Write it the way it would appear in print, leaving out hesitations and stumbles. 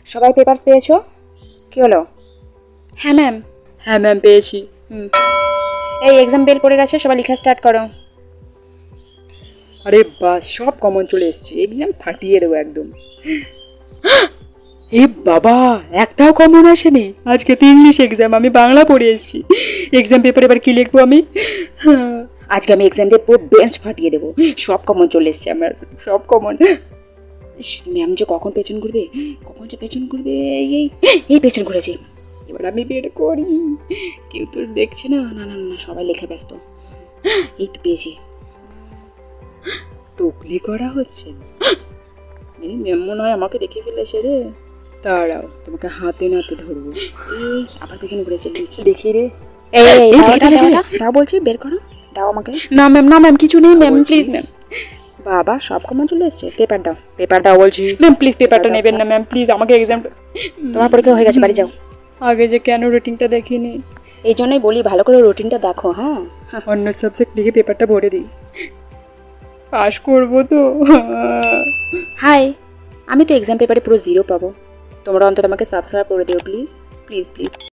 সবাই পেপারস পেয়েছো? কি হলো? হ্যাঁ ম্যাম। হ্যাঁ ম্যাম, পেয়েছি। এই এক্সাম বেল পড়ে গেছে, সবাই লেখা স্টার্ট করো। আরে বাহ, সব কমন চলে এসেছে, এক্সাম ফাটিয়ে দেবো একদম। এ বাবা, একটাও কমন আসেনি। আজকে তো ইংলিশ এক্সাম, আমি বাংলা পড়ে এসেছি। এক্সাম পেপারে এবার কি লিখবো আমি? আজকে আমি এক্সাম দিয়ে পুরো বেঞ্চ ফাটিয়ে দেবো। সব কমন চলে এসছে আমার, সব কমন। ম্যাম যে কখন পেছন ঘুরবে, কখন যে পেছন ঘুরবে। এই এই পেছন ঘুরেছে। এবার আমি বের করি, কেউ তো দেখছে না। না না না, সবাই লেখা ব্যস্ত। এই তো পেয়েছি। টুকলি করা হচ্ছে। এই ম্যাম মনে হয় আমাকে দেখে ফেলেছে রে। দাঁড়াও, তোমাকে হাতে নাতে ধরবো। এই আবার পেছন ঘুরেছে, লিখি। দেখি রে। এই এই এই দাও, দেখে দাও, ফেলেছে। দাও, দাও বলছি, বের করো, দাও আমাকে। না ম্যাম, না ম্যাম, কিছু নেই ম্যাম, বলছি। Please ma'am. বাবা সব কমন চলে এসছে। পেপার দাও, পেপার দাও বলছি। ম্যাম প্লিজ পেপারটা দাও, নেবেন দাও। না ম্যাম, প্লিজ। আমাকে এক্সামটা, তোমার পরীক্ষা হয়ে গেছে, বাড়ি যাও। আগে যে কেন রুটিনটা দেখিনি। এই জন্যই বলি ভালো করে রুটিনটা দেখো। হ্যাঁ, অন্য সাবজেক্ট লিখে পেপারটা ভরে দিই, পাস করবো তো। হাই, আমি তো এক্সাম পেপারে পুরো 0 পাবো। তোমরা অন্তত আমাকে সাবস্ক্রাইব করে দিও প্লিজ, প্লিজ প্লিজ।